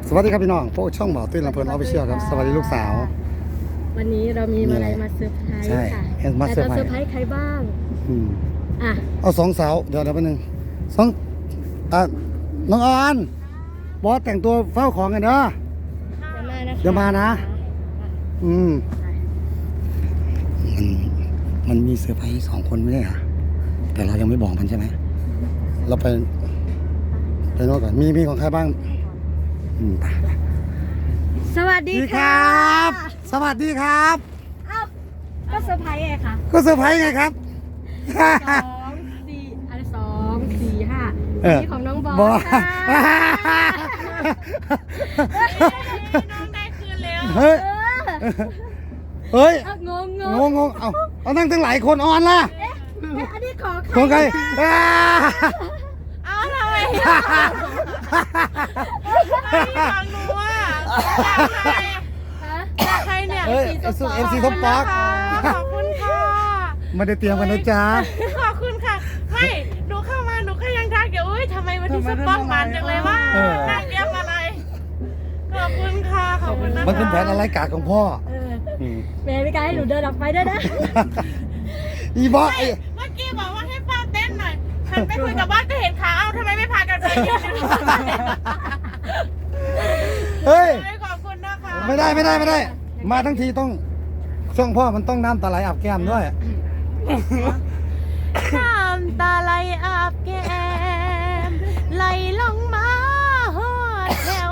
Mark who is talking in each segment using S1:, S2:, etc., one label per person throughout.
S1: สวัสดีครับพี่น้องพวกช่องหมอตุ้ยลำเพลินออฟฟิเชียลครับสวัสดีลูกสาว
S2: วันนี้เรามีอะไรมาเซอร์ไพรส์
S1: ใช่
S2: ค่ะ
S1: มาเซอร์ไพรส์
S2: แต่จะเซอร์ไพรส์ใครบ้างอ่ะ
S1: เอาสองสาวเดี๋ยวแป๊บนึงสองน้องออนบอสแต่งตัวเฝ้าของกันเด้อเดี๋ยวมานะมันมีเซอร์ไพรส์2 คนไม่ใช่เหรอแต่เรายังไม่บอกมันใช่ไหมเราไปโน่นก่อนมีของใครบ้างไป
S2: สวัสดี
S1: ค
S2: ค่ะ
S1: รับ สวัสดีครับ
S2: อ้าวก็เซอร์ไพรส์ไงคะ
S1: ก็เซอร์ไพรส์ไงครับ
S2: 2 4 5นี่ของน้องบอสค่ะ
S3: น้องได้คืนแล้ว
S1: เฮ้ย เฮ้ย
S2: งง
S1: งงเอานั่งตั้งหลายคนออนล่ะ
S2: อันนี้ของใคร
S3: เอาทำไมฟังหนูอ่ะจากใครเนี่ย
S1: เฮ้ย FC ท็อปป๊อก
S3: ขอบคุณค่ะ
S1: ไม่ได้เตรียมกันนะจ๊ะ
S3: ขอบคุณค่ะไม่หนูเข้ามาหนูก็ยังทักอยู่ทำไมวันที่สปองมันจังเลยว่านั่งเตรียมอะไรขอบคุณค่ะขอบคุณนะคะ
S1: มันเป็นแผนอะไรกาของพ่อ
S2: แม่ไม่กล้าให้หนูเดินออกไปด้วยนะ
S1: อีบอส
S3: เมื่อกี้บอกว่าให้ป้าเต้นหน่อยฉันไปคุยกับบ้านก็เห็นขาเอ้าทำไมไม่พากันไปยืน
S1: เฮ้ย
S3: ขอบคุณนะคะ
S1: ไม่ได้ มาทั้งทีต้องช่วงพ่อมันต้องน้ำตาไหลอาบแก้มด้วย
S3: น้ำตาไหลอาบแก้มไหลลงมาหอดแถว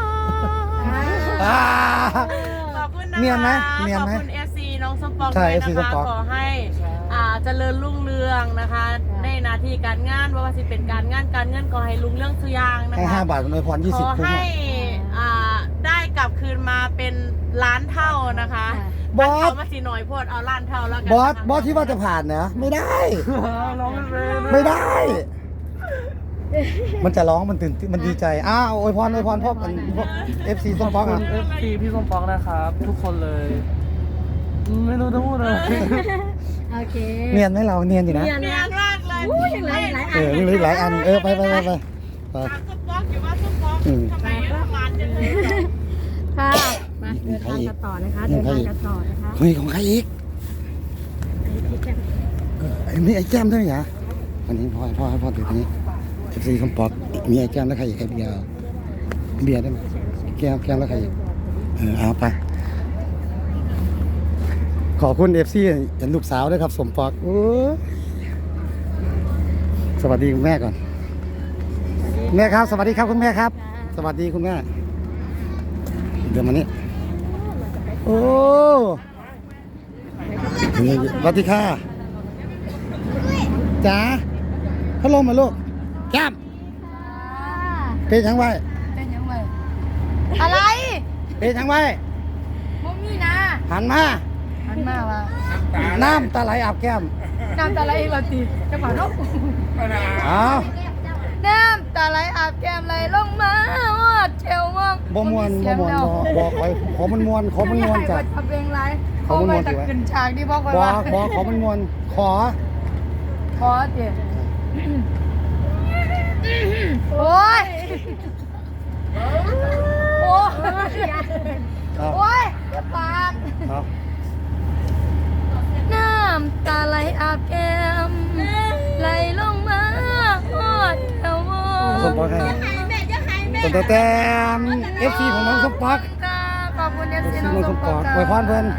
S3: ขอบคุณนะคะ
S1: เนียนไหม
S3: ขอบคุณ FC น้องสปอง
S1: ใช่
S3: ด้วย
S1: FC
S3: นะ
S1: ส
S3: คะ
S1: ปอง
S3: ขอให้เจริญรุ่งเรืองนะคะ ในหนาทีการงานว่าสิเป็นการงานการเงินขอให้รุ่งเรืองสุอยางนะ
S1: ให้
S3: คะ
S1: 5 บาทมันเลยพร
S3: ขอ
S1: 20 คุ้ม
S3: ให้ได้กลับคืนมาเป็นล้านเท่านะคะ
S1: บอส
S3: เอามาสีหน่อยโพดเอาล้านเท่าแล้วกัน
S1: บอสที่ว่าจะผ่านนะไม่ได้ ไม่ได้ มันจะร้องมันตื่นมันดีใจอวยพรพ่อFC ส้มป๊อก
S4: ขอบ
S1: อ่ะ
S4: คุณ FC พี่ส้มป๊อกนะครับ ทุกคนเลย ไม่รู้จะพูดอะไร
S2: โอเค
S1: เนียนไหมเราเนียนอยู่นะ
S3: เนียนมากเลย
S2: ยังหลายอัน
S1: ยังเหลืออีกหลายอันไป
S3: ถามสปอกอยู่ว่าสปอกทำไมมันจังเลย
S2: ค่ะมาเดินทางกันต่อนะคะ
S1: เฮ้ยของใครอีกไอ้นี่ไอ้แก้มด้วยเหรออันนี้พ่อถือตรงนี้ FC ส้มป๊อกมีไอ้แก้มแล้วใครอีกไอ้เบียร์ได้ไหมแก้มแล้วใครอีกเอาไปขอบคุณ FC เห็นลูกสาวด้วยครับสมปอกสวัสดีคุณแม่ก่อนแม่ครับสวัสดีครับคุณแม่ครับ สวัสดีคุณแม่เดี๋ยวมานี่โอ้สวัสดีค่ะจ๋าพัดลมมาลูกแก้มเป็นทั้งไว้
S2: เป็นยังไงอะไร
S1: เป็นทั้งไว้
S2: มมีนะ
S1: หันมา
S2: หันมาว่า
S1: น้ำตาไหลอาบแก้ม
S2: น้ำตาไหลเราตีจะมาลูก
S1: เอา
S2: น้ำตาไหลอาบแก้มไหลลงมาว่าเชลว่าง
S1: บ่มวนบอกไปขอมันมวนจ้ะ
S2: ทำเพลงไร
S1: ขอมันม่วน
S2: จะ
S1: สิวะ
S2: ขึ้นฉากที่พ่อคอย
S1: บอ
S2: ว่า
S1: ขอมันมวนขอ
S2: ขอเดี๋ยวโอ้ยโอ้ย
S1: เอา
S2: โอ้ยปาก
S1: เอา
S2: น้ำตาไหลอาบแก้มไหลลงมาหอดเอว
S1: สมปอกให้แต่FC ของน้องสมปอก
S2: ขอบคุณเอฟซี
S1: น้องสมปอกอวยพรเพิ่น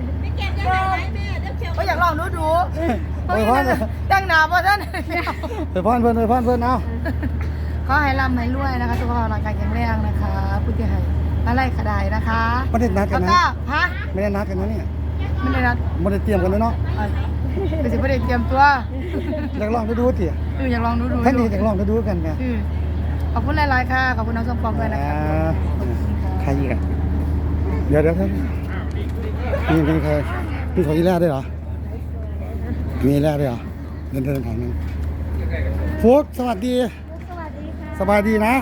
S2: ก็อยากลองดู
S1: อวยพร
S2: ตั้งหนาเพราะท่าน
S1: อวยพรเพิ่นเอา
S2: ขอให้ร่ำให้รวยนะคะสุขภาพร่างกายแข็งแรงนะคะผู้ที่ให้อะไรขดายนะคะ
S1: ไม่ได้นัดกัน
S2: แล้ว
S1: นะ
S2: ก็ฮะ
S1: ไม่ได้นัดกันนะเนี่ย
S2: ไม่ได้นัด
S1: ไม่ได้เตรียมกันนะเนาะ
S2: เป็นสิไม่ได้เตรียมตัว
S1: อยากลองดูเตี๋ย
S2: อยากลองดู
S1: แค่นี้อยากลองดูกันไง
S2: ขอบคุณหลายๆค่ะขอบคุณน้องสมปองด้วยนะคะ
S1: ใครอีกอ่ะเดี๋ยวครับมีใครมีของอีแร่ด้วยเหรอมีอีแร่ด้วยเหรอเดินผ่านนั้นฟุกสวัสดีสบายดีนะ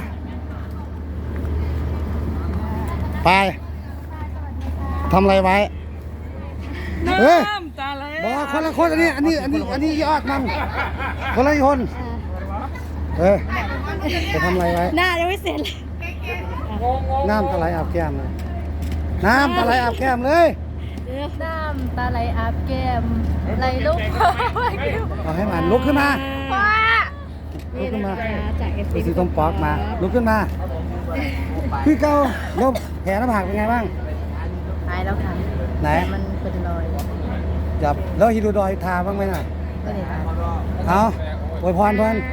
S1: ไปทำอะไรไว้เฮ้ยบอกคนละคนอันนี้ยอดมันคนละคนไปทำอะไรไว้
S2: หน้ายังไม่เสร็จเลย
S1: น้ำตาไหลอาบแก้มเลยน้ำตาไหลอาบแก้มเลย
S2: น้ำตาไหลอาบแก้มไหลลง
S1: เอาให้มันลุกขึ้นมา
S2: ว้า
S1: ลุกขึ้นมา
S2: จากเอฟ
S1: ดูสิต้มปอกมาลุกขึ้นมาพี่เก้าแล้วแผลหน้าผากเป็นไงบ้าง
S2: หายแล้วค่ะ
S1: ไหน
S2: แต่มันเป็นรอย
S1: จับแล้วฮิโดดอยทาบ้างไหมน่ะ
S2: ก็เลยค่ะ
S1: เอาอวยพรเพิ่น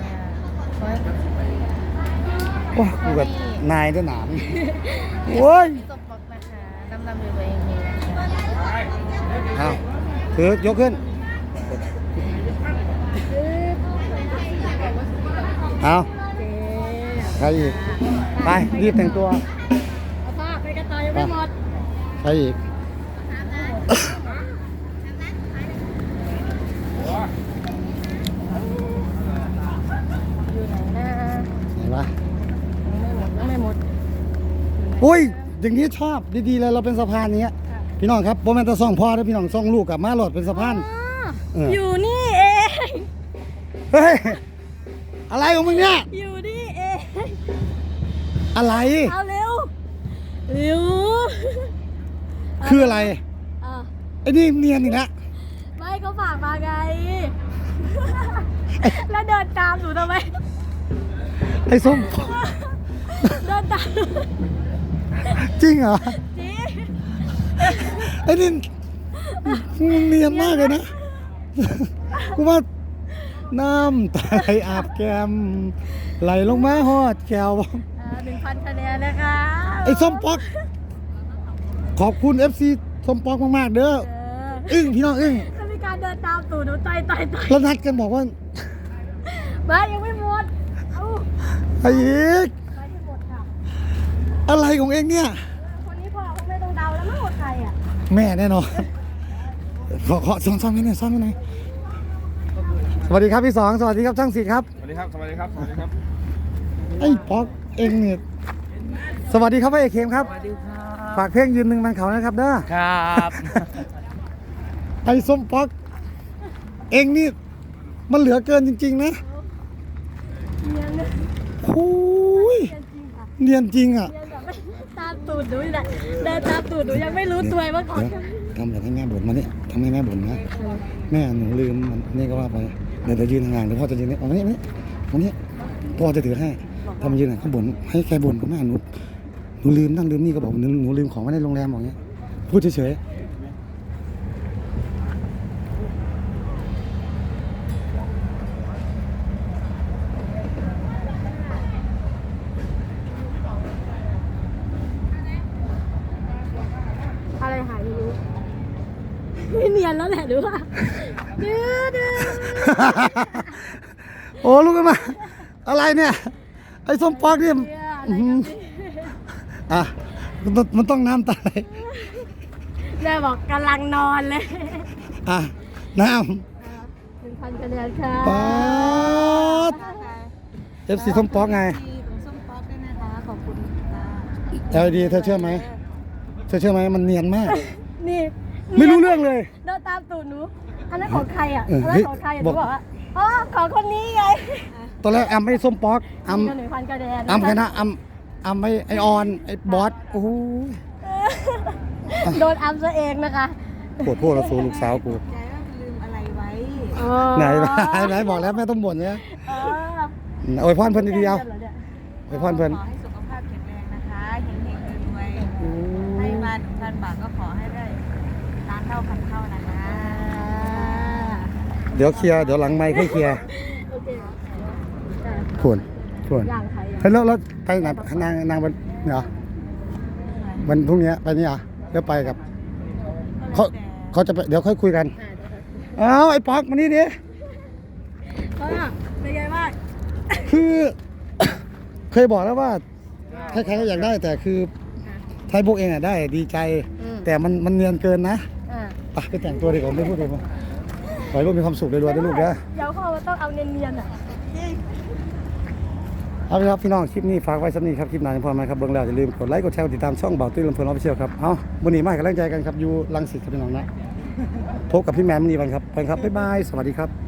S1: โอ้กูกับนายด้วยหนามโอ้ย
S2: ตบบอกนะคะดำๆอยู่ตัวเองนี่นะคะ
S1: เอาถือยกขึ้นเอาใครอีกไปรีบแต่งตัว
S2: เอาผ้าไปกันต่อยังไม่หมด
S1: ใครอีก
S2: อยู่ไหนนะ
S1: เห็นปะ
S2: ยังไม่หมด
S1: อุ้ยอย่างนี้ชอบดีๆเลยเราเป็นสะพานอย่างเงี้ยพี่น้องครับโมเมนต์ซ่องพ่อแล้วพี่น้องซ่องลูกกับมาหลอดเป็นสะพานเออ
S2: อยู่นี่เอง
S1: เฮ้ยอะไรของมึงเนี่ย
S2: อยู่นี่เอง
S1: อะไร
S2: เอาเร็วเร็ว
S1: คืออะไร
S2: อ่ะ
S1: ไอ้นี่เนียนอีกแล้ว
S2: ไม่เขาฝากมาไง แล้วเดินตามหนูทำไม
S1: ไอ้ส้ม
S2: เดินตาม
S1: จริงเหรอ
S2: จริง
S1: ไอ้นี่มึงเนียนมากเลยนะกูว่าน้ำตาไหลอาบแก้มไหลลงมาฮอดแก้ว
S2: 1,000 คะแนนนะคะ
S1: ไอ้ส้มป๊อกขอบคุณ FC ส้มป๊อกมากๆเด้อ อึ้งพี่น้องอึ้ง
S2: จะมีการเดินตามตู่หนูต่อย
S1: แล้วนัดกันบอกว่า
S2: มายังไม่หมด เอ้า
S1: ไอ้อีก
S2: ไปที่หมดค่ะ
S1: อะไรของเองเนี่ย
S2: คนนี้พอคงไม่ต้องเดาแล้วมั้งว่าใครอ่ะ
S1: แม่แน่นอนขอซ่อนไว้หน่อยซ่อนไว้หน่อยสวัสดีครับพี่สองสวัสดีครับช่างศิษย์ครับ
S5: สวัสดีครับ สวัสดีครับ สวัสดีครับ
S1: ไอ้ป๊อกเองเนี่ยสวัสดีครับพี่เอกเคมครับ
S4: สวัสดีครับ
S1: ฝากเพลงยืนหนึ่งมันเขานะครับเด้อ
S4: ครับ
S1: ไอ้ส้มป๊อกเองนี่มันเหลือเกินจริงๆนะ
S2: เนียนเลย
S1: โอ้ย
S2: เนียนจริงค่ะ
S1: เนียนจริงอ่ะ
S2: เนียนแบบไม่ตามตูดหนูนี่แหละเดินตามตูดหนูยังไม่รู้ตัวว่าเขา
S1: เดี๋ยวทำแบบให้แม่บ่นมาเนี่ยทำให้แม่บ่นนะแม่หนูลืมมันนี่ก็ว่าไปเดี๋ยวยืนห่างๆเดี๋ยวพ่อจะยืนนี่เอามานี่มานี่พ่อจะถือให้ทำมายืนห่างเขาบ่นให้แกบ่นกับแม่หนูลืมนั่นลืมนี่ก็บอกหนูลืมของไว้ในโรงแรมบอกเงี้ยพูดเฉยๆ
S2: อะไรหายไม่รู้ไม่เนียนแล้วแหละหรือว่าดื้อ
S1: โอ้ลูกกันมาอะไรเนี่ยไอ้ส้มปอกเนี่ย
S2: อะไรกันสิ
S1: อ่ะมันต้องน้ำตาไหล
S2: แม่บอกกำลังนอนเลย
S1: อ่ะน้
S2: 1,000 คะแนนค่ะ
S1: ำป๊าด FC ส้มปอกไง
S2: ส้มป๊อกด้วยนะคะขอบคุณค่ะ
S1: LED เธอเชื่อไหมมันเนียนมาก
S2: นี่
S1: ไม่รู้เรื่องเลย
S2: เดินตามตูดหนูอันนั้นของใครอ่ะ
S1: เออ
S2: อัน
S1: เฮ้
S2: นั้น
S1: ย
S2: ของใครอ่ะห
S1: บ
S2: นู
S1: อก
S2: บอกว่าอ๋อของคนนี้ไง
S1: ตอนแรกอัมไอ้ส้มปอกอัม
S2: ก็1,000 คะแนน
S1: อัมใครนะอัมไอ้ออนไอ้บอสโอ้ย
S2: โดนอัมซะเองนะคะ
S1: โคตรเราสูลูกสาวกู
S3: ใจว่าลืมอะไรไว้
S1: ไหนบอกแล้วแม่ต้องบ่นเนี่ย
S2: เออ
S1: โอ้ยพรเพิ่นดีๆเอาโอ้ยพรเพิ่น
S3: ขอให้สุขภาพแข็งแรงนะคะเฮงๆรวยๆให้มา1,000 บาทก็ขอให้ได้ล้านเท่าพันเท่านะคะ
S1: เดี๋ยวเคลียร์เดี๋ยวหลังไมค์ค่อยเคลียร์
S2: โอเค
S1: ขวน
S2: อย่างใคร
S1: เฮ้ยแล้วไปไหนนางวันเหรอวันพรุ่งนี้ไปนี่เหรอเดี๋ยวไปกับเขาจะไปเดี๋ยวค่อยคุยกันเอาไอ้ป๊อกมานี่ดิ
S2: ก็เป็นไงบ้าง
S1: คือ เคยบอกแล้วว่าใครๆก็อยากได้แต่คือไทยพวกเองอ่ะได้ดีใจ แต่มันเนียนเกินนะ ไปแต่งตัวดีกว่าไม่พูดเลยมั้งขอให้ลูกมีความสุขรวยๆด้วยลูกนะ
S2: เดี๋ยวพ่อมันต้องเอาเนียนๆอ่ะ
S1: เอาละครับพี่น้องคลิปนี้ฝากไว้สักนิดครับคลิปหน้าจะพอไหมครับเบื้องแล้วอย่าลืมกดไลค์กดแชร์กดติดตามช่องเบาตุ้ยลำเพลินออฟฟิเชียลครับเอาวันนี้มาให้กำลังใจกันครับอยู่รังสิตครับพี่น้องนะพบกับพี่แมมนี่วันครับไปครับบ๊ายบายสวัสดีครับ